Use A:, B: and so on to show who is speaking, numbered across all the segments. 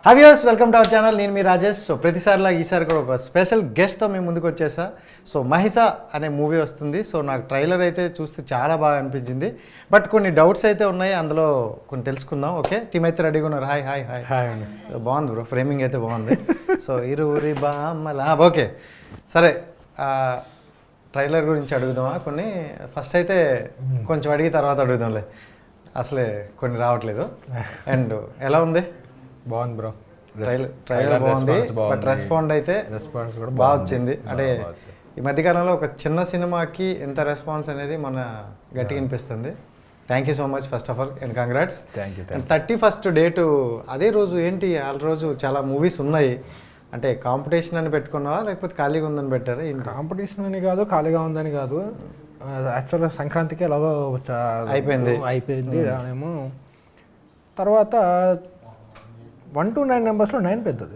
A: Hi viewers, welcome to our channel. నేను మీ Rajesh. So ప్రతిసారిలా ఈసారి కూడా ఒక స్పెషల్ గెస్ట్తో మేము ముందుకు వచ్చేసా. సో మహిషా అనే మూవీ వస్తుంది. సో నాకు ట్రైలర్ అయితే చూస్తే చాలా బాగా అనిపించింది. బట్ కొన్ని డౌట్స్ అయితే ఉన్నాయి, అందులో కొన్ని తెలుసుకుందాం. ఓకే, టీమ్ అయితే రెడీగా ఉన్నారు. హాయ్ హాయ్ హాయ్
B: హాయ్ అండి.
A: బాగుంది బ్రో, ఫ్రేమింగ్ అయితే బాగుంది. సో ఇరువురి బామ్మలా ఓకే సరే. ట్రైలర్ గురించి అడుగుదామా కొన్ని? ఫస్ట్ అయితే కొంచెం అడిగి తర్వాత అడుగుదాంలే, అసలే కొన్ని రావట్లేదు. అండ్ ఎలా ఉంది?
B: బాగుంది బ్రో.
A: ట్రైలర్ బాగుంది, బట్ రెస్పాండ్ అయితే
B: రెస్పాన్స్ కూడా
A: బాగా వచ్చింది. అంటే ఈ మధ్యకాలంలో ఒక చిన్న సినిమాకి ఎంత రెస్పాన్స్ అనేది మన గట్టిగా అనిపిస్తుంది. Thank you so much first of all and congrats.
B: Thank you.
A: And 31st date అదే రోజు ఏంటి? ఆ రోజు చాలా మూవీస్ ఉన్నాయి. అంటే కాంపిటీషన్ అని పెట్టుకున్నావా లేకపోతే ఖాళీగా ఉందని పెట్టారా?
B: కాంపిటీషన్ అని కాదు, ఖాళీగా ఉందని కాదు. యాక్చువల్గా సంక్రాంతికి ఎలాగో అయిపోయింది రానేమో. తర్వాత 1 to 9 నెంబర్స్లో 9 పెద్దది.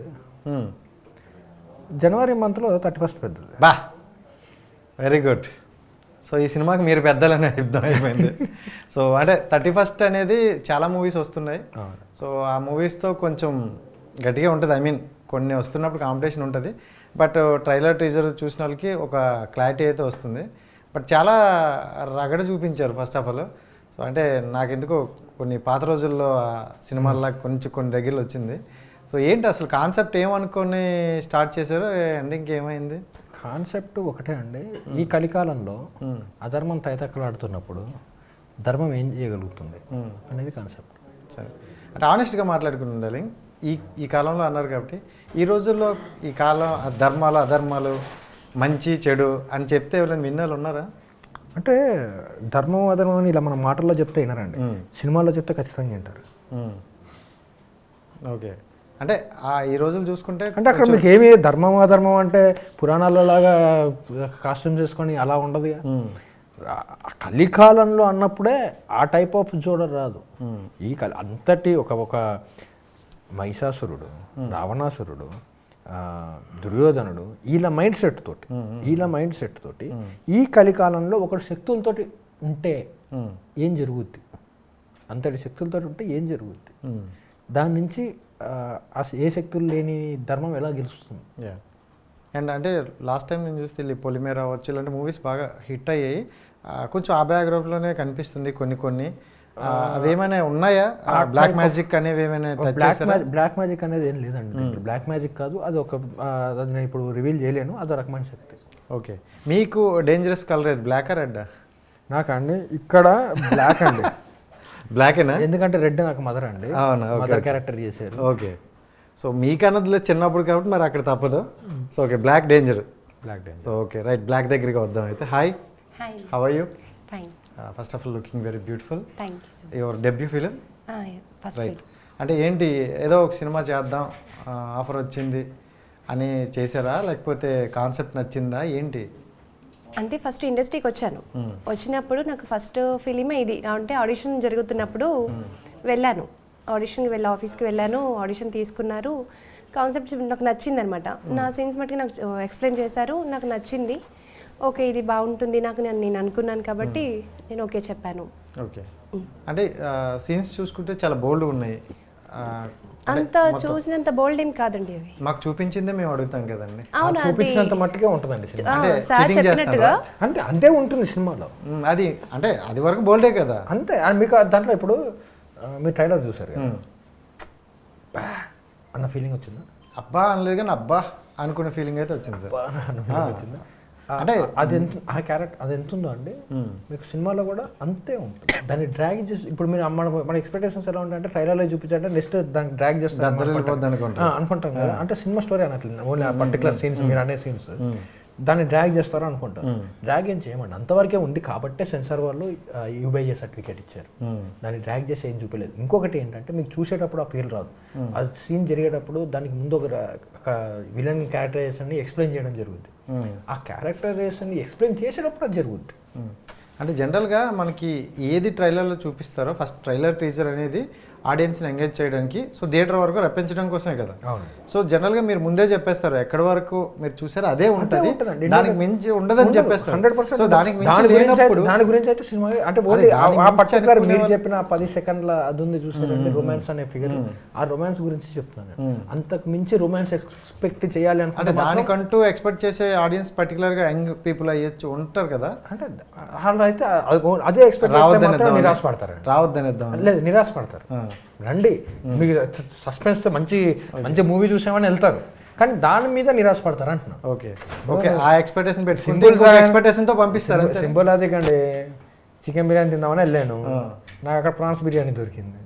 B: జనవరి మంత్లో 31st పెద్దది.
A: బా, వెరీ గుడ్. సో ఈ సినిమాకి మీరు పెద్దలనే యుద్ధం అయిపోయింది. సో అంటే 31st అనేది చాలా మూవీస్ వస్తున్నాయి. సో ఆ మూవీస్తో కొంచెం గట్టిగా ఉంటుంది. ఐ మీన్ కొన్ని వస్తున్నప్పుడు కాంపిటీషన్ ఉంటుంది. బట్ ట్రైలర్ టీజర్ చూసిన వాళ్ళకి ఒక క్లారిటీ అయితే వస్తుంది. బట్ చాలా రగడ చూపించారు ఫస్ట్ ఆఫ్ ఆల్. సో అంటే నాకెందుకో కొన్ని పాత రోజుల్లో సినిమాల్లో కొన్ని దగ్గరలో వచ్చింది. సో ఏంటి అసలు కాన్సెప్ట్ ఏమనుకొని స్టార్ట్ చేశారు? ఎండింగ్కి ఏమైంది?
B: కాన్సెప్ట్ ఒకటే అండి. ఈ కలికాలంలో అధర్మం తైతక్కలాడుతున్నప్పుడు ధర్మం ఏం చేయగలుగుతుంది అనేది కాన్సెప్ట్.
A: సరే, అంటే ఆనెస్ట్గా మాట్లాడుకుని ఉండాలి. ఈ కాలంలో అన్నారు కాబట్టి ఈ రోజుల్లో ఈ కాలం ధర్మాలు అధర్మాలు మంచి చెడు అని చెప్తే ఎవరైనా విన్నాళ్ళు ఉన్నారా?
B: అంటే ధర్మం అధర్మం అని ఇలా మన మాటల్లో చెప్తే వినరండి, సినిమాల్లో చెప్తే ఖచ్చితంగా వింటారు.
A: ఓకే, అంటే ఈ రోజులు చూసుకుంటే
B: అంటే అక్కడ మీకు ఏమి ధర్మం అధర్మం అంటే పురాణాల్లో లాగా కాస్ట్యూమ్ చేసుకొని అలా ఉండదు. కలికాలంలో అన్నప్పుడే ఆ టైప్ ఆఫ్ జోడర్ రాదు. ఈ అంతటి ఒక మహిషాసురుడు, రావణాసురుడు, దుర్యోధనుడు, వీళ్ళ మైండ్ సెట్ తోటి ఈ కలికాలంలో ఒకటి శక్తులతోటి ఉంటే ఏం జరుగుద్ది, అంతటి శక్తులతో ఉంటే ఏం జరుగుద్ది, దాని నుంచి ఏ శక్తులు లేని ధర్మం ఎలా గెలుస్తుంది.
A: అండ్ అంటే లాస్ట్ టైం నేను చూస్తే పొలిమేర అవ్వచ్చు ఇలాంటి మూవీస్ బాగా హిట్ అయ్యాయి. కొంచెం ఆ బ్యాక్గ్రౌండ్లోనే కనిపిస్తుంది కొన్ని అవేమైనా ఉన్నాయా? బ్లాక్ మ్యాజిక్ అనేవి ఏమైనా?
B: బ్లాక్ మ్యాజిక్ అనేది ఏం లేదండి. బ్లాక్ మ్యాజిక్ కాదు, అది అది నేను ఇప్పుడు రివీల్ చేయలేను. అదో రకమైన శక్తి.
A: ఓకే, మీకు డేంజరస్ కలర్ ఏది, బ్లాక్ రెడ్?
B: నాకండి ఇక్కడ బ్లాక్ అండి.
A: బ్లాకేనా?
B: ఎందుకంటే రెడ్ నాకు మదర్ అండి.
A: అవునా?
B: మదర్ క్యారెక్టర్ చేశారు.
A: ఓకే, సో మీకన్నదిలో చిన్నప్పుడు కాబట్టి మరి అక్కడ తప్పదు. So okay, black danger. So okay right, black దగ్గరికి వద్దాం అయితే. Hi, how are you?
C: Fine.
A: First of all looking very beautiful.
C: Thank you, sir.
A: Your debut film?
C: Yeah, first
A: right.
C: film.
A: అంటే ఏంటి, ఏదో ఒక సినిమా చేద్దాం ఆఫర్ వచ్చింది అని చేశారా లేకపోతే కాన్సెప్ట్ నచ్చిందా ఏంటి?
C: అంటే ఫస్ట్ ఇండస్ట్రీకి వచ్చాను. వచ్చినప్పుడు నాకు ఫస్ట్ ఫిలిమే ఇది. అంటే ఆడిషన్ జరుగుతున్నప్పుడు వెళ్ళాను. ఆడిషన్కి ఆఫీస్కి వెళ్ళాను. ఆడిషన్ తీసుకున్నారు. కాన్సెప్ట్ నాకు నచ్చింది అనమాట. నా సీన్స్ మట్టుకు నాకు ఎక్స్ప్లెయిన్ చేశారు. నాకు నచ్చింది. ఓకే, ఇది బాగుంటుంది నాకు, నేను అనుకున్నాను కాబట్టి నేను ఓకే చెప్పాను.
A: ఓకే, అంటే సీన్స్ చూసుకుంటే చాలా బోల్డ్ ఉన్నాయి.
C: అంత చూసినంత బోల్డ్ ఏం కాదండి అవి.
A: మాకు చూపించిందే మేము అడుగుతాం కదండి.
C: అవునా?
B: చూపించినంత మట్టుకే ఉంటుందండి సినిమా.
C: సార్ చెప్పినట్టుగా
B: అంటే అంతే ఉంటుంది సినిమాలో.
A: అది అంటే అది వరకు బోల్డే కదా.
B: అంతే. మీకు దాంట్లో ఇప్పుడు మీరు ట్రైలర్ చూసారు కదా, అన్న ఫీలింగ్ వచ్చిందా?
A: అబ్బా అనలేదు కానీ అబ్బా అనుకునే ఫీలింగ్ అయితే వచ్చింది సార్.
B: వచ్చిందా? అంటే అది ఎంత, ఆ క్యారెక్టర్ అది ఎంత ఉందో అండి మీకు సినిమాలో కూడా అంతే ఉంటుంది. దాన్ని డ్రాగ్ చేసి ఇప్పుడు మీరు మన ఎక్స్పెక్టేషన్స్ ఎలా ఉంటాయంటే ట్రైలర్లో చూపించాలంటే నెక్స్ట్ దాన్ని డ్రాగ్ చేస్తారు అనుకుంటాం కదా. అంటే సినిమా స్టోరీ అనట్లేదు, ఓన్లీ ఆ పర్టికులర్ సీన్స్ మీరు అనే సీన్స్ దాన్ని డ్రాగ్ చేస్తారో అనుకుంటారు. డ్రాగ్ ఏం చేయమండి, అంతవరకే ఉంది కాబట్టే సెన్సార్ వాళ్ళు యూబీఐ సర్టిఫికేట్ ఇచ్చారు. దాన్ని డ్రాగ్ చేసి ఏం చూపించలేదు. ఇంకొకటి ఏంటంటే మీకు చూసేటప్పుడు ఆ ఫీల్ రాదు. ఆ సీన్ జరిగేటప్పుడు దానికి ముందు ఒక విలన్ క్యారెక్టరైజేషన్ని ఎక్స్ప్లెయిన్ చేయడం జరుగుతుంది. ఆ క్యారెక్టరైజేషన్ని ఎక్స్ప్లెయిన్ చేసేటప్పుడు అది జరుగుద్ది.
A: అంటే జనరల్గా మనకి ఏది ట్రైలర్లో చూపిస్తారో ఫస్ట్ ట్రైలర్ టీజర్ అనేది ఆడియన్స్ని ఎంగేజ్ చేయడానికి, సో థియేటర్ వరకు రప్పించడం కోసమే కదా.
B: అవును.
A: సో జనరల్గా మీరు ముందే చెప్పేస్తారు ఎక్కడి వరకు మీరు చూసారో అదే ఉంటుంది,
B: ఉంటుందండి.
A: దానికి మించి ఉండదని చెప్పేస్తారు.
B: 100%.
A: సో దానికి మించి లేనప్పుడు
B: దాని గురించి అయితే సినిమా అంటే ఓన్లీ ఆ పర్టికులర్ మీరు చెప్పిన 10 సెకండ్ల అది ఉంది చూసారండి రొమాన్స్ అనే ఫిగర్, ఆ రొమాన్స్ గురించి చెప్తున్నాను. అంతకు మించి రొమాన్స్ ఎక్స్పెక్ట్ చేయాలి
A: అంటే దానికంటూ ఎక్స్పెక్ట్ చేసే ఆడియన్స్ పర్టికులర్ గా యంగ్ పీపుల్ అయ్యొచ్చు ఉంటారు కదా,
B: అంటే వాళ్ళు అయితే అదే ఎక్స్పెక్ట్ చేస్తే నిరాశపడతారు.
A: రావద్దనిద్దాం
B: లేదు, నిరాశపడతారు. రండి మీకు సస్పెన్స్తో మంచి మంచి మూవీ చూసామని వెళ్తారు, కానీ దాని మీద నిరాశపడతారు అంటున్నా.
A: ఓకే ఓకే, ఆ ఎక్స్పెక్టేషన్ పెట్టి ఎక్స్పెక్టేషన్ తో పంపిస్తారు.
B: సింపుల్ లాజిక్ అండి. చికెన్ బిర్యానీ తిందామని వెళ్ళాను, నాకు అక్కడ ప్రాన్స్ బిర్యానీ దొరికింది.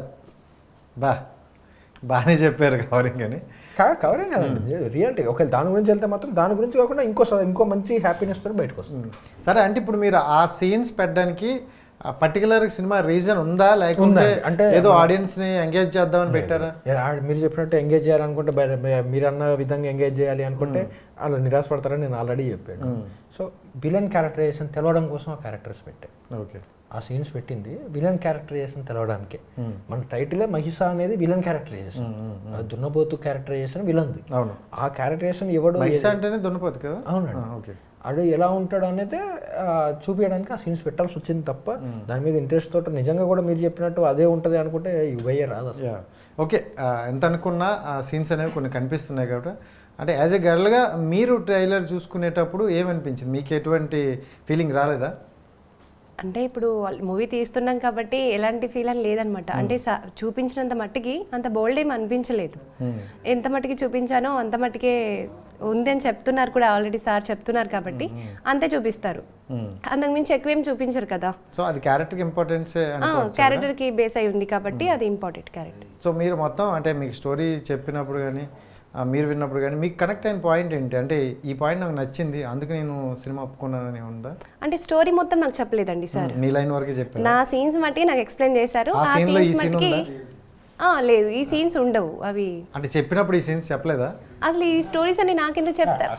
A: బాగానే చెప్పారు కవరింగ్ అని.
B: కవరింగ్ కదండి రియాలిటీ. ఒకవేళ దాని గురించి వెళ్తే మాత్రం దాని గురించి కాకుండా ఇంకో మంచి హ్యాపీనెస్ తో బయటకు వస్తుంది.
A: సరే, అంటే ఇప్పుడు మీరు ఆ సీన్స్ పెట్టడానికి పర్టికులర్ సినిమా రీజన్ ఉందా, లేకుంటే అంటే ఏదో ఆడియన్స్ ని ఎంగేజ్ చేద్దామని పెట్టారా?
B: మీరు చెప్పినట్టు ఎంగేజ్ చేయాలనుకుంటే మీరు అన్న విధంగా ఎంగేజ్ చేయాలి అనుకుంటే వాళ్ళు నిరాశపడతారని నేను ఆల్రెడీ చెప్పాను. సో విలన్ క్యారెక్టరైజేషన్ తెలవడం కోసం ఆ క్యారెక్టర్స్ పెట్టాను.
A: ఓకే,
B: ఆ సీన్స్ పెట్టింది విలన్ క్యారెక్టరైజేషన్ తెలవడానికి. మన టైటిలే మహిష అనేది విలన్ క్యారెక్టరైజేషన్, దున్నపోతు క్యారెక్టరైజేషన్ విలన్ది.
A: అవును,
B: ఆ క్యారెక్టరైజేషన్ ఎవడు
A: మహిష అంటేనే దున్నపోతు కదా.
B: అవునండి.
A: ఓకే,
B: అడు ఎలా ఉంటాడు అనేది చూపించడానికి ఆ సీన్స్ పెట్టాల్సి వచ్చింది తప్ప దాని మీద ఇంట్రెస్ట్ తోటి నిజంగా కూడా మీరు చెప్పినట్టు అదే ఉంటుంది అనుకుంటే ఇవయ్యే రాదు అసలు.
A: ఓకే, ఎంత అనుకున్నా ఆ సీన్స్ అనేవి కొన్ని కనిపిస్తున్నాయి కాబట్టి, అంటే యాజ్ ఎ గర్ల్గా మీరు ట్రైలర్ చూసుకునేటప్పుడు ఏమనిపించింది, మీకు ఎటువంటి ఫీలింగ్ రాలేదా?
C: అంటే ఇప్పుడు మూవీ తీస్తున్నాం కాబట్టి ఎలాంటి ఫీల్ అని లేదనమాట. అంటే చూపించినంత మట్టికి అంత బోల్డ్ ఏం అనిపించలేదు. ఎంత మట్టికి చూపించానో అంత మట్టికే ఉంది అని చెప్తున్నారు కూడా, ఆల్రెడీ సార్ చెప్తున్నారు కాబట్టి అంతే చూపిస్తారు. అంతకు మించి ఎక్కువ ఏం చూపించరు కదా.
A: సో అది క్యారెక్టర్కి ఇంపార్టెన్స్,
C: క్యారెక్టర్కి బేస్ అయి ఉంది కాబట్టి అది ఇంపార్టెంట్ క్యారెక్టర్.
A: సో మీరు మొత్తం అంటే మీకు స్టోరీ చెప్పినప్పుడు కానీ మీరు విన్నప్పుడు కానీ మీకు కనెక్ట్ అయిన పాయింట్ ఏంటి, అంటే ఈ పాయింట్ నాకు నచ్చింది అందుకు నేను సినిమా ఒప్పుకున్నానని ఉందా?
C: అంటే స్టోరీ మొత్తం నాకు చెప్పలేదండి సార్,
A: మీ లైన్ వరకే చెప్పారు.
C: నా సీన్స్ మట్టి నాకు ఎక్స్ప్లెయిన్ చేశారు.
A: ఆ సీన్లో ఈ సీన్ ఉందా?
C: లేదు, ఈ సీన్స్ ఉండవు. అవి
A: అంటే చెప్పినప్పుడు ఈ సీన్స్ చెప్పలేదా?
C: అసలు ఈ స్టోరీస్ అని నాకెందుకు చెప్తారు?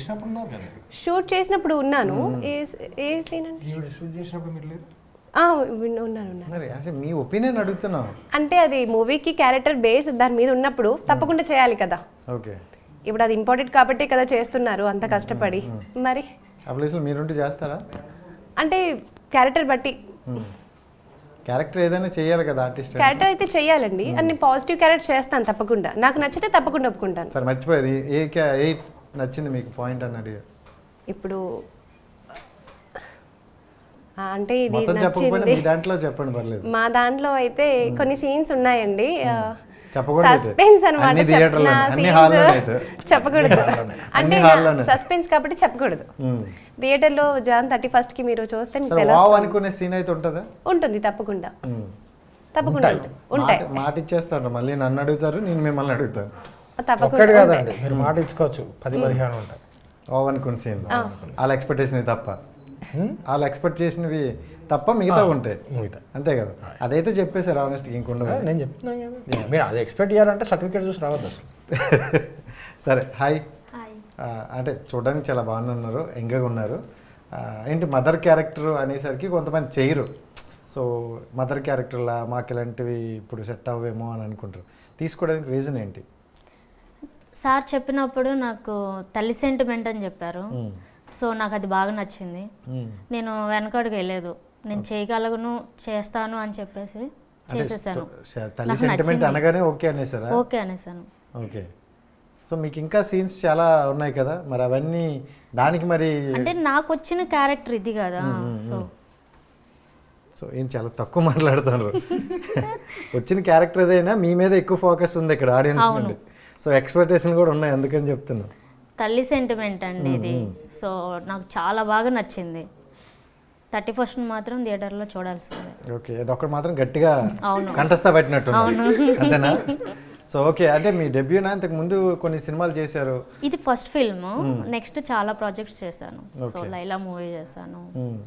C: షూట్ చేసినప్పుడు ఉన్నాను. ఏ సీన్ అండి?
B: షూట్ చేసినప్పుడు మీరు లేదు?
A: మరి అసలు మీ ఒపీనియన్ అడుగుతున్నాం.
C: అంటే అది మూవీకి క్యారెక్టర్ బేస్ దాని మీద ఉన్నప్పుడు తప్పకుండా చేయాలి కదా.
A: ఓకే,
C: ఇప్పుడు అది ఇంపార్టెంట్ కాబట్టి కదా చేస్తున్నారు అంత కష్టపడి. మరి
A: ఆ ప్లేస్లో మీరుంటే చేస్తారా?
C: అంటే క్యారెక్టర్ బట్టి
A: క్యారెక్టర్ ఏదైనా చేయాలి కదా ఆర్టిస్ట్.
C: క్యారెక్టర్ అయితే చేయాలండి, అన్ని పాజిటివ్ క్యారెక్టర్ చేస్తాను తప్పకుండా. నాకు నచ్చితే తప్పకుండా ఒప్పుకుంటాను.
A: సరే, మర్చిపోయారు ఏ నచ్చింది మీకు పాయింట్ అని అడిగారు.
C: ఇప్పుడు అంటే ఇది నచ్చింది
A: దాంట్లో చెప్పండి పర్లేదు.
C: మా దాంట్లో అయితే కొన్ని సీన్స్ ఉన్నాయండి,
A: సస్పెన్స్
C: అనమాట. చెప్పకూడదు అంటే సస్పెన్స్ కాబట్టి చెప్పకూడదు. థియేటర్ లో జాన్ 31st కి మీరు చూస్తే
A: అనుకునే సీన్ అయితే ఉంటుందా?
C: ఉంటుంది, తప్పకుండా తప్పకుండా ఉంటాయి.
A: మాట ఇచ్చేస్తారు, మళ్ళీ నన్ను అడుగుతారు, నేను మిమ్మల్ని అడుగుతాను.
C: తప్పకుండా
B: మీరు మాట ఇచ్చుకోవచ్చు. 10-15 ఉంటాయి
A: అనుకున్న సీన్, వాళ్ళ ఎక్స్పెక్టేషన్ తప్ప, వాళ్ళు ఎక్స్పెక్ట్ చేసినవి తప్ప మిగతా ఉంటాయి, అంతే కదా. అదైతే చెప్పేసారు ఆనెస్ట్గా, ఇంకొండ
B: నేను చెప్తున్నాను కదా. మీరు అది ఎక్స్పెక్ట్ చేయాలంటే సర్టిఫికేట్ చూసి రావద్దు అసలు.
A: సరే, హాయ్. అంటే చూడడానికి చాలా బాగున్నారు, యంగ్గా ఉన్నారు. ఏంటి మదర్ క్యారెక్టర్ అనేసరికి కొంతమంది చేయరు. సో మదర్ క్యారెక్టర్లా మాకు ఇలాంటివి ఇప్పుడు సెట్ అవ్వేమో అని అనుకుంటారు. తీసుకోవడానికి రీజన్ ఏంటి?
D: సార్ చెప్పినప్పుడు నాకు తల్లి సెంటిమెంట్ అని చెప్పారు. సో నాకు అది బాగా నచ్చింది. నేను వెనకడుగు వెళ్ళలేదు, నేను చేయగలను, చేస్తాను అని చెప్పేసి చేసేసాను. ఓకే అనేసాను.
A: ఓకే, సో మీకు ఇంకా సీన్స్ చాలా ఉన్నాయి కదా, మరి అవన్నీ దానికి మరి
D: అంటే నాకు వచ్చిన క్యారెక్టర్ ఇది కదా.
A: సో ఏం చాలా తక్కువ మాట్లాడుతున్నారు. వచ్చిన క్యారెక్టర్ ఏదైనా మీ మీద ఎక్కువ ఫోకస్ ఉంది ఇక్కడ ఆడియన్స్ నుండి. సో ఎక్స్పెక్టేషన్ కూడా ఉన్నాయి, అందుకని చెప్తున్నా.
D: తల్లి సెంటిమెంట్ అండి ఇది. సో నాకు చాలా బాగా నచ్చింది. 31st మాత్రం థియేటర్లో చూడాల్సిందే.
A: ఓకే, అదొక్కటి మాత్రం గట్టిగా కంఠస్థ పెట్టినట్టు అంతేనా? సో ఓకే, అంటే మీ డెబ్యూనా, ఇంతకు ముందు కొన్ని సినిమాలు చేశారు?
D: ఇది ఫస్ట్ ఫిల్మ్. నెక్స్ట్ చాలా ప్రాజెక్ట్స్ చేశాను. సో లైలా మూవీ చేశాను,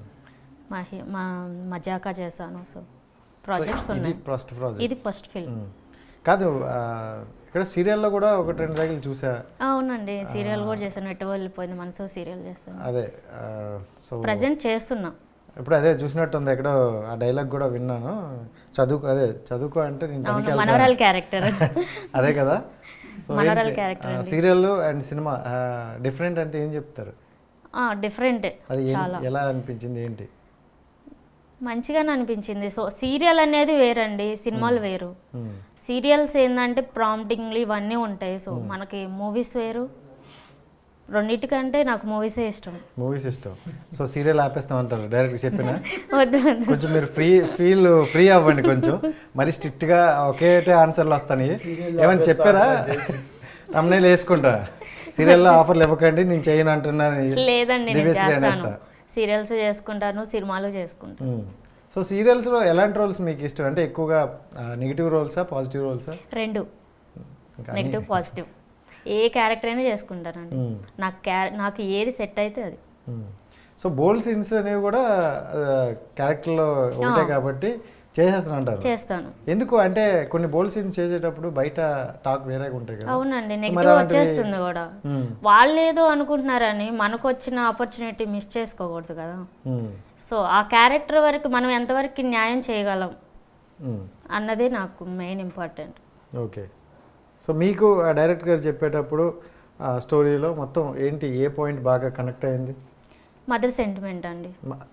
D: మజాకా చేశాను. సో ప్రాజెక్ట్స్ ఉన్నాయి. ఇది ఫస్ట్ ఫిల్మ్
A: కాదు, ఇక్కడ సీరియల్లో కూడా 1-2 రేగులు చూసా.
D: అవునండి, సీరియల్ కూడా చేశాను. ఎటు వెళ్ళిపోయింది మనసు సీరియల్ చేస్తాను.
A: అదే, సో
D: ప్రెజెంట్ చేస్తున్నా.
A: ఇప్పుడు అదే చూసినట్టుంది ఎక్కడో ఆ డైలాగ్ కూడా విన్నాను, చదువుకో అంటే నేను పనికి వెళ్తాను.
D: మనవరాల్ క్యారెక్టర్.
A: అదే కదా. సో
D: మనవరాల్ character
A: serial and cinema different అంటే ఏం చెప్తారు?
D: డిఫరెంట్.
A: అది ఎలా అనిపించింది, ఏంటి?
D: మంచిగానే అనిపించింది. సో సీరియల్ అనేది వేరండి, సినిమాలు వేరు. సీరియల్స్ ఏంటంటే ప్రాంప్టింగ్లు ఇవన్నీ ఉంటాయి. సో మనకి మూవీస్ వేరు. రెండింటికంటే నాకు మూవీసే ఇష్టం.
A: మూవీస్ ఇష్టం. సో సీరియల్ ఆపేస్తామంటారు డైరెక్ట్ చెప్పిన?
D: వద్దు
A: కొంచెం మీరు ఫ్రీ అవ్వండి కొంచెం, మరి స్ట్రిక్ట్గా ఒకే ఆన్సర్లు వస్తాయి. ఏమైనా చెప్పారా? తమ్ముళ్ళు వేసుకుంటారా? సీరియల్లో ఆఫర్లు ఇవ్వకండి నేను చేయను అంటున్నాను.
D: లేదండి, నేను చేస్తాను. సీరియల్స్ చేసుకుంటాను, సినిమాలు చేసుకుంటాను.
A: సో సీరియల్స్లో ఎలాంటి రోల్స్ మీకు ఇష్టం? అంటే ఎక్కువగా నెగిటివ్ రోల్సా, పాజిటివ్ రోల్సా?
D: రెండు, నెగిటివ్ పాజిటివ్. ఏ క్యారెక్టర్ అయినా చేసుకుంటానండి. నాకు ఏది సెట్ అయితే అది.
A: సో బోల్డ్ సీన్స్ అనేవి కూడా క్యారెక్టర్లో ఒకటే కాబట్టి చేసేస్తాను అంటారు?
D: చేస్తాను.
A: ఎందుకు అంటే కొన్ని బోల్డ్ సీన్స్ చేసేటప్పుడు బయట టాక్ వేరేగా ఉంటాయి కదా.
D: అవునండి, నెగిటివ్ వచ్చేస్తుంది కూడా. వాళ్ళు ఏదో అనుకుంటున్నారని మనకు వచ్చిన ఆపర్చునిటీ మిస్ చేసుకోకూడదు కదా. సో ఆ క్యారెక్టర్ వరకు మనం ఎంతవరకు న్యాయం చేయగలం అన్నదే నాకు మెయిన్ ఇంపార్టెంట్.
A: ఓకే. సో మీకు ఆ డైరెక్టర్ గారు చెప్పేటప్పుడు ఆ స్టోరీలో మొత్తం ఏంటి, ఏ పాయింట్ బాగా కనెక్ట్ అయింది?
D: మదర్ సెంటిమెంట్ అండి.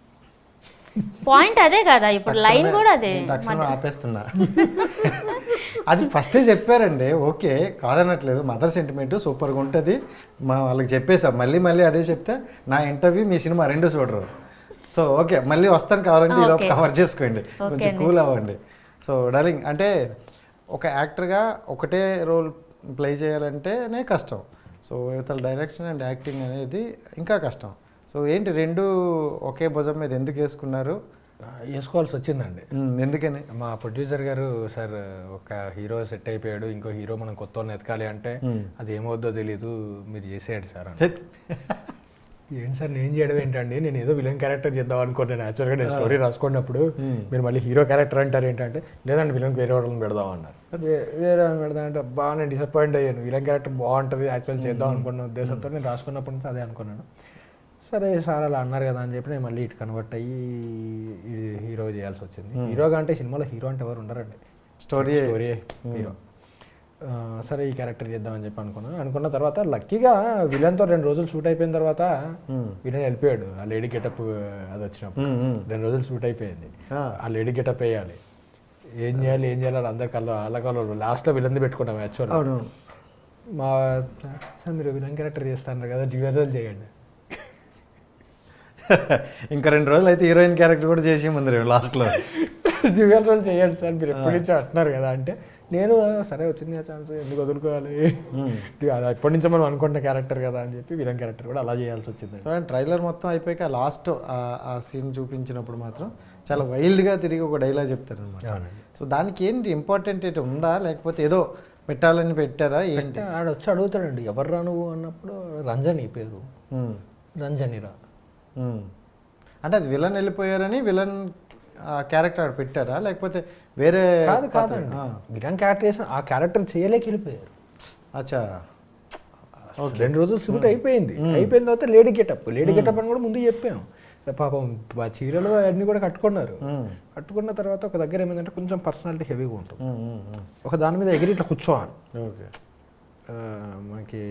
D: పాయింట్ అదే కదా, ఇప్పుడు లైన్ కూడా అదే.
A: తక్షణం ఆపేస్తున్నా. అది ఫస్టే చెప్పారండి, ఓకే కాదనట్లేదు. మదర్ సెంటిమెంట్ సూపర్గా ఉంటుంది, వాళ్ళకి చెప్పేసాం. మళ్ళీ అదే చెప్తే నా ఇంటర్వ్యూ మీ సినిమా రెండు చూడరు. సో ఓకే మళ్ళీ వస్తాను, కావాలంటే ఈ లోపు కవర్ చేసుకోండి, కొంచెం కూల్ అవ్వండి. సో డార్లింగ్, అంటే ఒక యాక్టర్గా ఒకటే రోల్ ప్లే చేయాలంటేనే కష్టం. సో ఇతర డైరెక్షన్ అండ్ యాక్టింగ్ అనేది ఇంకా కష్టం. సో ఏంటి రెండు ఒకే భుజం మీద ఎందుకు వేసుకున్నారు?
B: వేసుకోవాల్సి వచ్చిందండి.
A: ఎందుకని?
B: మా ప్రొడ్యూసర్ గారు, సార్ ఒక హీరో సెట్ అయిపోయాడు, ఇంకో హీరో మనం కొత్త వాళ్ళని ఎతకాలి అంటే అది ఏమవుద్దో తెలీదు, మీరు చేసేయండి సార్ అని. ఏంటి సార్ నేను చేయడం ఏంటండి, నేను ఏదో విలన్ క్యారెక్టర్ చేద్దాం అనుకున్నాను. యాక్చువల్గా నేను స్టోరీ రాసుకున్నప్పుడు మీరు మళ్ళీ హీరో క్యారెక్టర్ అంటారు ఏంటంటే, లేదంటే విలన్ వేరే వాళ్ళని పెడదాం అన్నారు. వేరే వాళ్ళని పెడదాం అంటే బాగా నేను డిసప్పాయింట్ అయ్యాను. విలన్ క్యారెక్టర్ బాగుంటుంది యాక్చువల్ చేద్దాం అనుకున్న ఉద్దేశంతో నేను రాసుకున్నప్పటి నుంచి అదే అనుకున్నాను. సరే సార్ అలా అన్నారు కదా అని చెప్పి నేను మళ్ళీ ఇటు కన్వర్ట్ అయ్యి హీరో చేయాల్సి వచ్చింది. హీరోగా అంటే సినిమాలో హీరో అంటే ఎవరు ఉండరండి, స్టోరీ హీరో. సరే ఈ క్యారెక్టర్ చేద్దామని చెప్పి అనుకున్న తర్వాత లక్కీగా విలన్తో 2 రోజులు షూట్ అయిపోయిన తర్వాత విలన్ వెళ్ళిపోయాడు. ఆ లేడీ గెటప్ అది వచ్చినప్పుడు 2 రోజులు షూట్ అయిపోయింది. ఆ లేడీ గెటప్ వేయాలి, ఏం చేయాలి అందరి కళ్ళు లాస్ట్లో విలన్ది పెట్టుకున్నాం. యాక్చువల్ మా సార్ మీరు విలన్ క్యారెక్టర్ చేస్తున్నారు కదా, డ్యూయల్ చేయండి.
A: ఇంకా 2 రోజులు అయితే హీరోయిన్ క్యారెక్టర్ కూడా చేసి ముందు లాస్ట్లో
B: డ్యూయల్ రోల్ చేయండి సార్, మీరు ఎప్పటి నుంచో అంటున్నారు కదా అంటే, నేను సరే వచ్చింది ఆ ఛాన్స్ ఎందుకు వదులుకోవాలి, అది ఎప్పటి నుంచో మనం అనుకుంటున్న క్యారెక్టర్ కదా అని చెప్పి విలన్ క్యారెక్టర్ కూడా అలా చేయాల్సి వచ్చింది.
A: సో ట్రైలర్ మొత్తం అయిపోయాక లాస్ట్ ఆ సీన్ చూపించినప్పుడు మాత్రం చాలా వైల్డ్గా తిరిగి ఒక డైలాగ్ చెప్తారు అనమాట. సో దానికి ఏంటి ఇంపార్టెంట్ ఏంటి ఉందా, లేకపోతే ఏదో పెట్టాలని పెట్టారా ఏంటి?
B: ఆడ వచ్చి అడుగుతాడండి ఎవరు నువ్వు అన్నప్పుడు, రంజని పేరు, రంజనిరా
A: అంటే అది విలన్ వెళ్ళిపోయారని విలన్ క్యారెక్టర్ ఆడ పెట్టారా, లేకపోతే వేరే?
B: కాదండి, విలన్ క్యారెక్టర్ చేసిన ఆ క్యారెక్టర్ చేయలేక వెళ్ళిపోయారు.
A: అచ్చా,
B: 2 రోజులు షూట్ అయిపోయిన తర్వాత లేడీ గెటప్ అని కూడా ముందు చెప్పాము. పాపం చీరలు అన్నీ కూడా కట్టుకున్నారు. కట్టుకున్న తర్వాత ఒక దగ్గర ఏమైందంటే కొంచెం పర్సనాలిటీ హెవీగా ఉంటుంది, ఒక దాని మీద ఎగిరి ఇట్లా కూర్చోవాలి.
A: ఓకే,
B: మనకి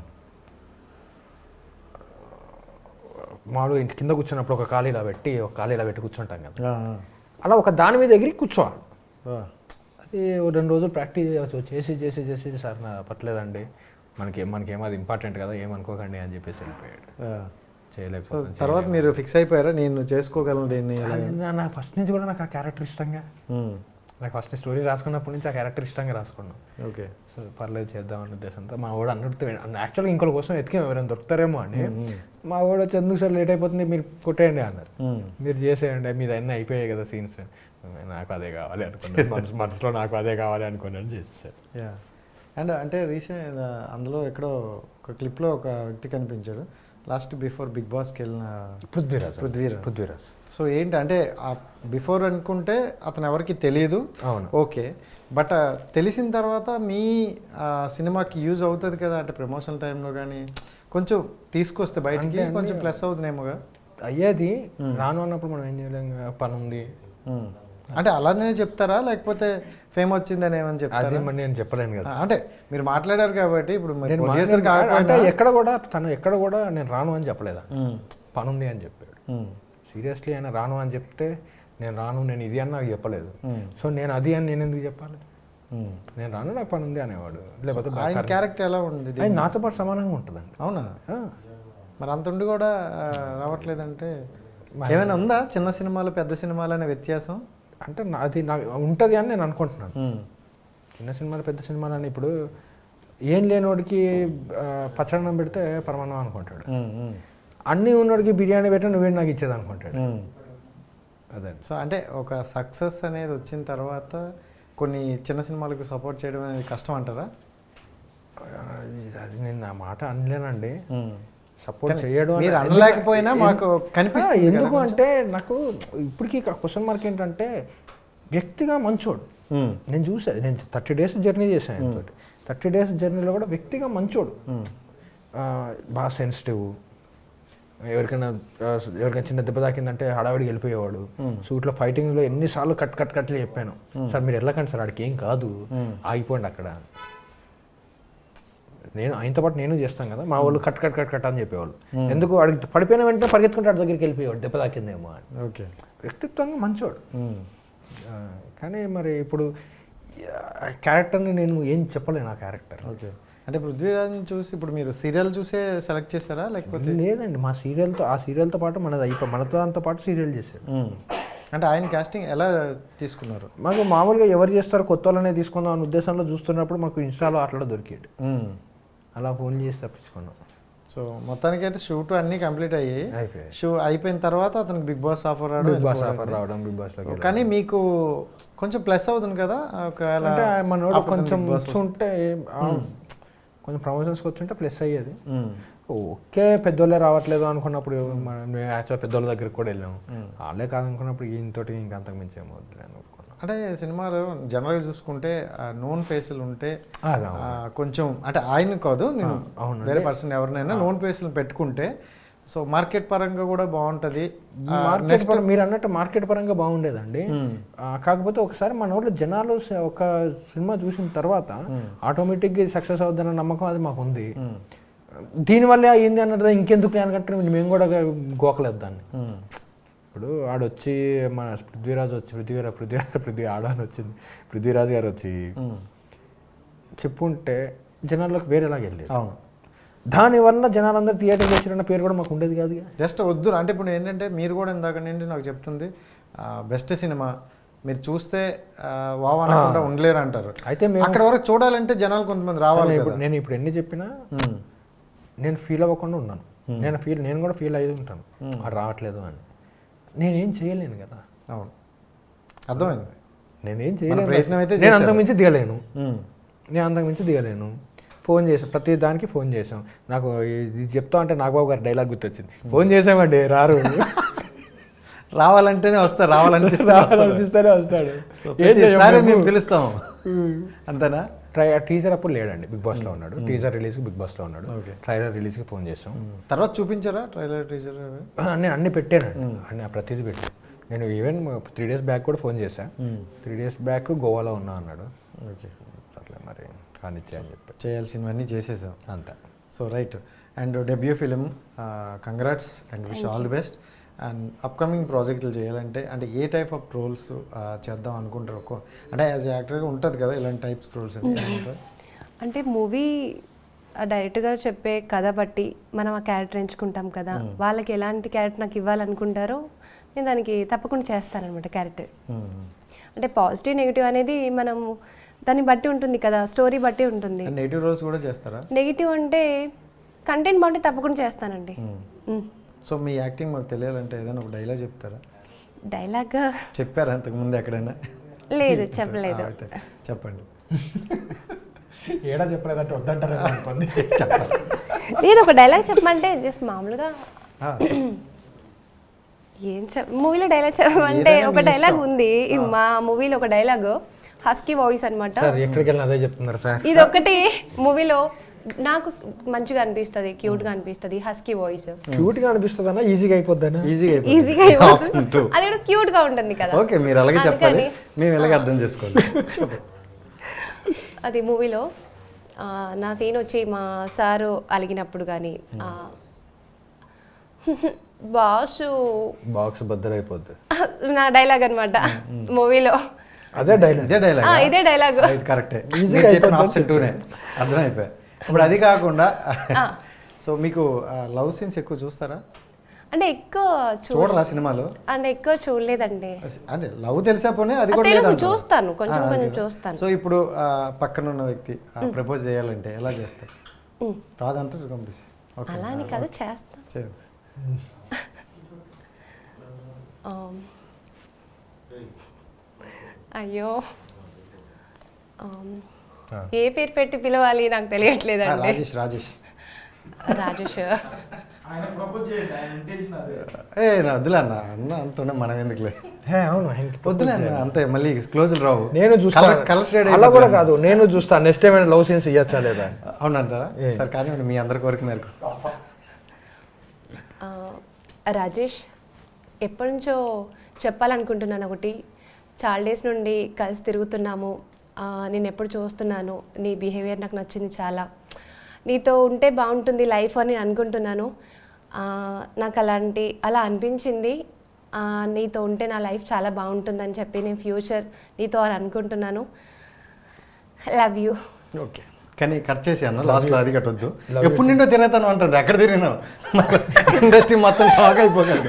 B: మామూలుగా ఇంటి కింద కూర్చున్నప్పుడు ఒక కాలు ఇలా పెట్టి కూర్చుంటాం కదా, అలా ఒక దాని మీద ఎగిరి కూర్చోవాలి. అది 2 రోజులు ప్రాక్టీస్ చేసి సార్ నా పట్టలేదండి, మనకేమో అది ఇంపార్టెంట్ కదా ఏమనుకోకండి అని చెప్పేసి వెళ్ళిపోయాడు. చేయలేకపోతే
A: తర్వాత మీరు ఫిక్స్ అయిపోయారా నేను చేసుకోగలను దీన్ని?
B: నా ఫస్ట్ నుంచి కూడా నాకు ఆ క్యారెక్టర్ ఇష్టంగా, నాకు ఫస్ట్ స్టోరీ రాసుకున్నప్పటి నుంచి ఆ క్యారెక్టర్ ఇష్టంగా రాసుకున్నాం.
A: ఓకే,
B: సో పర్లేదు చేద్దామనే ఉద్దేశంతో మా వాడు అన్నట్టు యాక్చువల్గా ఇంకోటి కోసం ఎతికేమో ఎవరైనా దొరుకుతారేమో అని. మా వాడు వచ్చి ఎందుకు సార్ లేట్ అయిపోతుంది మీరు కొట్టేయండి అన్నారు, మీరు చేసేయండి మీది అన్నీ అయిపోయాయి కదా సీన్స్, నాకు అదే కావాలి అనుకున్నాను, మనసులో నాకు అదే కావాలి అనుకున్నాను చేసేసారు.
A: అండ్ అంటే రీసెంట్ అందులో ఎక్కడో ఒక క్లిప్లో ఒక వ్యక్తి కనిపించాడు, లాస్ట్ బిఫోర్ బిగ్ బాస్కి వెళ్ళిన పృథ్వీరాజ్. సో ఏంటి అంటే బిఫోర్ అనుకుంటే అతను ఎవరికి తెలియదు, ఓకే, బట్ తెలిసిన తర్వాత మీ సినిమాకి యూజ్ అవుతుంది కదా, అంటే ప్రమోషన్ టైంలో కానీ కొంచెం తీసుకొస్తే బయటికి కొంచెం ప్లస్ అవుతుందేమోగా.
B: అయ్యేది రాను అన్నప్పుడు మనం ఏం చేయలేం, పని ఉంది.
A: అంటే అలానే చెప్తారా లేకపోతే ఫేమ్ వచ్చిందని ఏమని చెప్తారా?
B: అది మరి నేను చెప్పలేను కదా.
A: అంటే మీరు మాట్లాడారు కాబట్టి ఇప్పుడు
B: అంటే ఎక్కడ కూడా తను ఎక్కడ కూడా నేను రాను అని చెప్పలేదా, పని ఉంది అని చెప్పాడు. సీరియస్లీ ఆయన రాను అని చెప్తే నేను రాను, నేను ఇది అని నాకు చెప్పలేదు. సో నేను అది అని నేను ఎందుకు చెప్పాలి? నేను రాను, నాకు పని ఉంది అనేవాడు. లేకపోతే
A: ఆయన క్యారెక్టర్ ఎలా ఉంది?
B: ఆయన నాతో పాటు సమానంగా ఉంటుందండి.
A: అవునా? మరి అంత ఉండి కూడా రావట్లేదంటే ఏమైనా ఉందా చిన్న సినిమాలు పెద్ద సినిమాలు అనే వ్యత్యాసం?
B: అంటే అది నాకు ఉంటుంది అని నేను అనుకుంటున్నాను. చిన్న సినిమాలు పెద్ద సినిమాలు అని ఇప్పుడు ఏం లేనివాడికి పచ్చడన్నం పెడితే పరమాన్నం అనుకుంటాడు, అన్నీ ఉన్నవాడికి బిర్యానీ పెట్టి నువ్వేంటి నాకు ఇచ్చేది అనుకుంటాడు. అదే. సో
A: అంటే ఒక సక్సెస్ అనేది వచ్చిన తర్వాత కొన్ని చిన్న సినిమాలకు సపోర్ట్ చేయడం అనేది కష్టం అంటారా?
B: అది నేను నా మాట అనలేనండి, సపోర్ట్ చేయడం
A: మీరు అనలేకపోయినా మాకు కనిపిస్తుంది.
B: ఎందుకు అంటే నాకు ఇప్పటికీ క్వశ్చన్ మార్క్ ఏంటంటే వ్యక్తిగా మంచోడు. నేను చూసాను, నేను 30 days జర్నీ చేశాను. 30 days జర్నీలో కూడా వ్యక్తిగా మంచోడు, బాగా సెన్సిటివ్. ఎవరికైనా చిన్న దెబ్బ తాకిందంటే హడావిడికి వెళ్ళిపోయేవాడు. సూట్లో ఫైటింగ్లో ఎన్నిసార్లు కట్లు చెప్పాను, సార్ మీరు వెళ్ళకండి సార్, ఆడికి ఏం కాదు, ఆగిపోండి అక్కడ. నేను ఆయనతో పాటు నేను చేస్తాను కదా, మా వాళ్ళు కట్ అని చెప్పేవాళ్ళు. ఎందుకు వాడికి పడిపోయిన వెంటనే పరిగెత్తుకుంటే వాడి దగ్గరికి వెళ్ళిపోయేవాడు, దెబ్బ తాకిందేమో అని.
A: ఓకే,
B: వ్యక్తిత్వంగా మంచోడు. కానీ మరి ఇప్పుడు క్యారెక్టర్ని నేను ఏం చెప్పలేను ఆ క్యారెక్టర్.
A: ఓకే, అంటే పృథ్వీరాజ్ని చూసి ఇప్పుడు మీరు సీరియల్ చూసే సెలెక్ట్ చేస్తారా లేకపోతే?
B: లేదండి, ఆ సీరియల్తో పాటు మనతో దాంతో పాటు సీరియల్ చేశాడు.
A: అంటే ఆయన కాస్టింగ్ ఎలా తీసుకున్నారు?
B: మాకు మామూలుగా ఎవరు చేస్తారో కొత్త వాళ్ళనే తీసుకుందాం అనే ఉద్దేశంలో చూస్తున్నప్పుడు మాకు ఇన్స్టాలో అట్లా దొరికాడు, అలా ఫోన్ చేసి తప్పించుకున్నాం.
A: సో మొత్తానికి అయితే షూట్ అన్నీ కంప్లీట్ అయ్యి అయిపోయిన తర్వాత అతనికి బిగ్ బాస్ ఆఫర్
B: రావడం బిగ్ బాస్ లో.
A: కానీ మీకు కొంచెం ప్లస్ అవుతుంది కదా ఒకవేళ
B: మన కొంచెం ఉంటే, కొంచెం ప్రమోషన్స్కి వచ్చుంటే ప్లస్ అయ్యేది. ఓకే పెద్దోళ్ళే రావట్లేదు అనుకున్నప్పుడు మేము యాక్చువల్ పెద్దోళ్ళ దగ్గరికి కూడా వెళ్ళాము, వాళ్ళే కాదనుకున్నప్పుడు ఈయనతోటి ఇంకా అంతకు మించి ఏమో అనుకున్నాం.
A: అంటే సినిమాలో జనరల్గా చూసుకుంటే నోన్ ఫేసులు ఉంటే కొంచెం, అంటే ఆయన కాదు నేను వేరే పర్సన్ ఎవరినైనా నోన్ ఫేసులు పెట్టుకుంటే సో మార్కెట్ పరంగా కూడా బాగుంటుంది.
B: మీరు అన్నట్టు మార్కెట్ పరంగా బాగుండేదండి. కాకపోతే ఒకసారి మన ఊళ్ళో జనాలు ఒక సినిమా చూసిన తర్వాత ఆటోమేటిక్గా సక్సెస్ అవుతుందన్న నమ్మకం అది మాకు ఉంది. దీనివల్లే అయ్యింది అన్నది ఇంకెందుకు అనుకుంటే మేము కూడా గోకలేదు దాన్ని. ఇప్పుడు ఆడొచ్చి మన పృథ్వీ ఆడని వచ్చింది, పృథ్వీరాజ్ గారు వచ్చి చెప్పుంటే జనాల్లోకి వేరేలాగా వెళ్ళేది.
A: అవును,
B: దానివల్ల జనాలందరూ థియేటర్కి వచ్చిన పేరు కూడా మాకు ఉండేది కాదు.
A: జస్ట్ వద్దు అంటే ఇప్పుడు ఏంటంటే మీరు కూడా ఇందాక నుండి నాకు చెప్తుంది బెస్ట్ సినిమా మీరు చూస్తే వావ్ అనకుండా ఉండలేరు అంటారు. అయితే అక్కడ వరకు చూడాలంటే జనాలు కొంతమంది రావాలి.
B: నేను ఇప్పుడు ఎన్ని చెప్పినా నేను ఫీల్ అవ్వకుండా ఉన్నాను. నేను కూడా ఫీల్ అయ్యి ఉంటాను అది రావట్లేదు అని. నేనేం చేయలేను కదా.
A: అవును, అర్థమైంది.
B: నేనేం చేయలేను, నేను అంతకుమించి దిగలేను. ఫోన్ చేసాం, ప్రతి దానికి ఫోన్ చేసాం. నాకు ఇది చెప్తా అంటే నాగబాబు గారి డైలాగ్ గుర్తొచ్చింది, ఫోన్ చేసామండి రారు,
A: రావాలంటేనే వస్తారు, రావాలనిపిస్తేనే వస్తాడు, మేము పిలుస్తాం అంతేనా.
B: టీజర్ అప్పుడు లేడండి, బిగ్ బాస్లో ఉన్నాడు. టీజర్ రిలీజ్కి బిగ్ బాస్లో ఉన్నాడు. ట్రైలర్ రిలీజ్కి ఫోన్ చేసాం.
A: తర్వాత చూపించారా ట్రైలర్ టీజర్?
B: నేను అన్ని పెట్టానండి, అన్ని ప్రతిదీ పెట్టాను. నేను ఈవెన్ 3 days బ్యాక్ కూడా ఫోన్ చేశాను. 3 days బ్యాక్ గోవాలో ఉన్నా అన్నాడు.
A: ఓకే,
B: అట్లా మరి కానిచ్చే అని చెప్పి
A: చేయాల్సినవన్నీ చేసేసాం
B: అంతా.
A: So right, and debut film, congrats and wish all the best. And upcoming ప్రాజెక్టులు చేయాలంటే అంటే ఏ టైప్ ఆఫ్ రోల్స్ చేద్దాం అనుకుంటారు? అంటే యాజ్ యాక్టర్గా ఉంటుంది కదా ఇలాంటి టైప్స్ రోల్స్
C: అంటే మూవీ డైరెక్ట్గా చెప్పే కథ బట్టి మనం ఆ క్యారెక్టర్ ఎంచుకుంటాం కదా, వాళ్ళకి ఎలాంటి క్యారెక్టర్ నాకు ఇవ్వాలనుకుంటారో నేను దానికి తప్పకుండా చేస్తానన్నమాట క్యారెక్టర్. అంటే పాజిటివ్ నెగిటివ్ అనేది మనం దాన్ని బట్టి ఉంటుంది కదా, స్టోరీ బట్టి ఉంటుంది.
A: నెగిటివ్ రోల్స్ కూడా చేస్తారా?
C: నెగిటివ్ అంటే కంటెంట్ బాగుంటే తప్పకుండా చేస్తానండి.
A: సో మీ యాక్టింగ్ మాకు తెలియాలంటే ఏదైనా ఒక డైలాగ్ చెప్తారా?
C: డైలాగ్
A: చెప్పారా అంతకుముందు ఎక్కడైనా?
C: లేదు, చెప్పలేదు.
A: చెప్పండి.
B: ఏడా చెప్పలేదంటే వద్దంటారా?
C: లేదు, ఒక డైలాగ్ చెప్పమంటే జస్ట్ మామూలుగా ఏం మూవీలో డైలాగ్ చెప్పమంటే ఒక డైలాగ్ ఉంది మా మూవీలో, ఒక డైలాగ్ హస్కీ వాయిస్ అనమాట.
B: ఎక్కడికి వెళ్ళినా అదే చెప్తున్నారు సార్.
C: ఇది ఒకటి మూవీలో నాకు మంచిగా అనిపిస్తుంది, క్యూట్గా అనిపిస్తుంది, హస్కీ వాయిస్.
B: క్యూట్గా అనిపిస్తుంది అన్న, ఈజీగా అయిపోద్ది
C: ఈజీగా అది కూడా క్యూట్గా ఉంటుంది కదా.
A: ఓకే, మీరు అలాగే చెప్పాలి, మేము ఇలాగే అర్థం చేసుకోవాలి.
C: అది మూవీలో నా సీన్ వచ్చి మా సారు అలిగినప్పుడు కానీ
B: బాక్స్ బద్దలైపోద్ది
C: నా డైలాగ్ అనమాట మూవీలో.
B: అదే డైలాగ్
C: ఇదే డైలాగ్
A: కరెక్టే, చెప్పిన ఆప్షన్ 2నే అర్థమైపోయి. ఇప్పుడు అది కాకుండా సో మీకు లవ్ సీన్స్ ఎక్కువ చూస్తారా?
C: అంటే ఎక్కువ
A: చూడరా సినిమాలు?
C: అంటే ఎక్కువ చూడలేదండి.
A: అంటే లవ్ తెలిసా పోనీ అది కూడా లేదు.
C: చూస్తాను, కొంచెం కొంచెం చూస్తాను.
A: సో ఇప్పుడు పక్కన ఉన్న వ్యక్తి ప్రపోజ్ చేయాలంటే ఎలా చేస్తారు? రాదంటారు పంపిస్తే
C: అలా అని కాదు, చేస్తాను. అయ్యో, ఏ పేరు పెట్టి పిలవాలి నాకు తెలియట్లేదండి.
A: రాజేష్ రాజేష్
C: రాజేష్
A: వద్దులే అన్న, అన్న అంటున్నా మనం ఎందుకులే,
B: అవును
A: వద్దులే అన్న, అంతే మళ్ళీ క్లోజ్ రావు.
B: నేను చూస్తాను, అలా కూడా కాదు, నేను చూస్తాను నెక్స్ట్ టైం లవ్ సీన్స్ ఇవ్వచ్చా లేదా.
A: అవునంటారా? సరే కానీ మీ అందరి కోరిక మేరకు.
C: రాజేష్, ఎప్పటి నుంచో చెప్పాలనుకుంటున్నాను ఒకటి. చాలా డేస్ నుండి కలిసి తిరుగుతున్నాము, నేను ఎప్పుడు చూస్తున్నాను, నీ బిహేవియర్ నాకు నచ్చింది చాలా, నీతో ఉంటే బాగుంటుంది లైఫ్ అని అనుకుంటున్నాను. నాకు అలా అనిపించింది, నీతో ఉంటే నా లైఫ్ చాలా బాగుంటుందని చెప్పి నేను ఫ్యూచర్ నీతో అని అనుకుంటున్నాను. Love you.
A: ఓకే, కానీ కట్ చేసి అన్న లాస్ట్లో అది కట్టొద్దు. ఎప్పుడు నిండో తిరుగుతాను అంటారు, ఎక్కడ తిరిగినావు? ఇండస్ట్రీ మొత్తం టాక్ అయిపోగలదు.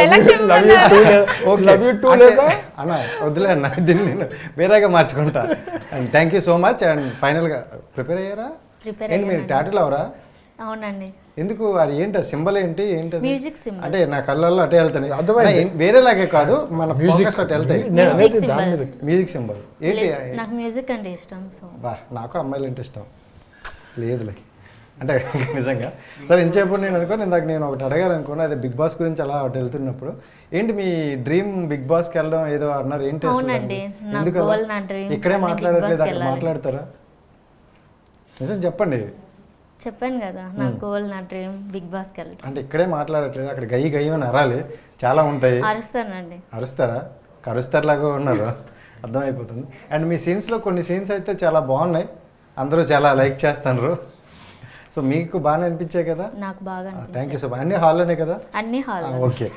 A: అన్న వద్దులే అన్న, దీన్ని నేను వేరేగా మార్చుకుంటా. And thank you so much. And ఫైనల్గా ప్రిపేర్ అయ్యారా? ఏంటి మీరు టాటూలు అవరా?
D: అవునండి.
A: ఎందుకు? అది ఏంటి సీంబల్ ఏంటి?
D: Music symbol.
A: అంటే నా కళ్ళల్లో అటే వెళ్తాయి, వేరేలాగే కాదు, మన ఫోకస్ అటు వెళ్తాయి. మ్యూజిక్ సింబల్ ఏంటి?
D: నాకు మ్యూజిక్ అంటే ఇష్టం.
A: బా, నాకు అమ్మాయిలు అంటే ఇష్టం లేదులే, అంటే నిజంగా. సరే ఇంచేప్పుడు నేను ఇందాక నేను ఒకటి అడగాలనుకున్నా, అదే బిగ్ బాస్ గురించి అలా అటు వెళ్తున్నప్పుడు, ఏంటి మీ డ్రీమ్ బిగ్ బాస్కి వెళ్ళడం ఏదో అన్నారు, ఏంటి ఎందుకు ఇక్కడే మాట్లాడట్లేదు, అక్కడ మాట్లాడతారా? నిజం చెప్పండి.
D: చెప్పాను కదా, నా గోల్, నా డ్రీమ్ బిగ్ బాస్కి వెళ్ళడం.
A: అంటే ఇక్కడే మాట్లాడట్లేదు, అక్కడ గయ్యి గయ్యి అని అరాలి, చాలా ఉంటాయి.
D: అరుస్తానండి.
A: అరుస్తారా? కరుస్తారులాగా ఉన్నారు, అర్థమైపోతుంది. అండ్ మీ సీన్స్లో కొన్ని సీన్స్ అయితే చాలా బాగున్నాయి, అందరూ చాలా లైక్ చేస్తున్నారు. సో మీకు బాగానే అనిపించాయి కదా?
D: నాకు బాగా.
A: Thank you so much. అన్ని హాల్లోనే కదా?
D: అన్ని హాల్.
A: ఓకే,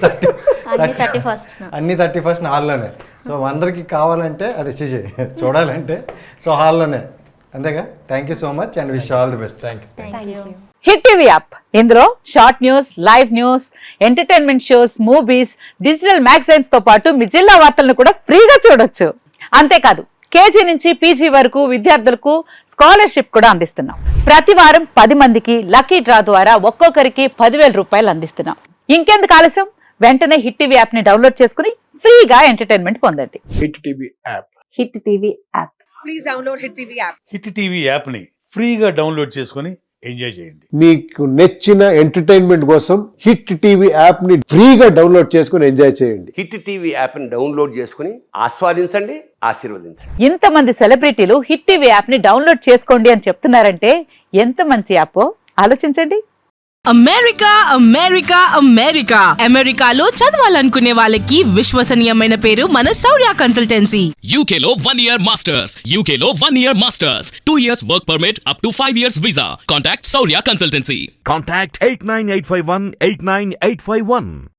D: అన్ని
A: 31st హాల్లోనే. సో అందరికి కావాలంటే అది చూడాలంటే సో హాల్లోనే, అంతేగా? Thank you so much and wish all the best.
C: Thank you.
E: Hit TV app, ఇందులో short news, live news, entertainment shows, movies, digital magazines తో పాటు మీ జిల్లా వార్తలను కూడా ఫ్రీగా చూడొచ్చు. అంతేకాదు, కేజీ నుంచి పీజీ వరకు విద్యార్థులకు స్కాలర్షిప్ కూడా అందిస్తున్నాం. ప్రతి వారం 10 మందికి లక్కీ డ్రా ద్వారా ఒక్కొక్కరికి 10,000 రూపాయలు అందిస్తున్నాం. ఇంకెందుకు ఆలస్యం, వెంటనే హిట్ టీవీ యాప్ ని డౌన్లోడ్ చేసుకుని ఫ్రీగా ఎంటర్టైన్మెంట్ పొందండి.
F: Hit TV app.
E: Hit TV app.
G: Please download Hit TV app.
F: Hit TV app ని ఫ్రీగా డౌన్లోడ్ చేసుకుని ఎంజాయ్ చేయండి.
H: మీకు నచ్చిన ఎంటర్టైన్మెంట్ కోసం హిట్ టీవీ యాప్ ని ఫ్రీగా డౌన్లోడ్ చేసుకుని ఎంజాయ్ చేయండి.
I: హిట్ టీవీ యాప్ ని డౌన్లోడ్ చేసుకుని ఆస్వాదించండి, ఆశీర్వదించండి.
E: ఇంతమంది సెలబ్రిటీలు హిట్ టీవీ యాప్ ని డౌన్లోడ్ చేసుకోండి అని చెప్తున్నారంటే ఎంత మంచి యాప్ ఆలోచించండి.
G: అమెరికా అమెరికా అమెరికా అమెరికాలో చదవాలనుకునే వాళ్ళకి విశ్వసనీయమైన పేరు మన శౌర్య కన్సల్టెన్సీ.
J: UK లో 1 year masters, UK లో 1 year masters, 2 years work permit up to 5 years visa. Contact Saurya Consultancy.
K: Contact 89851 89851.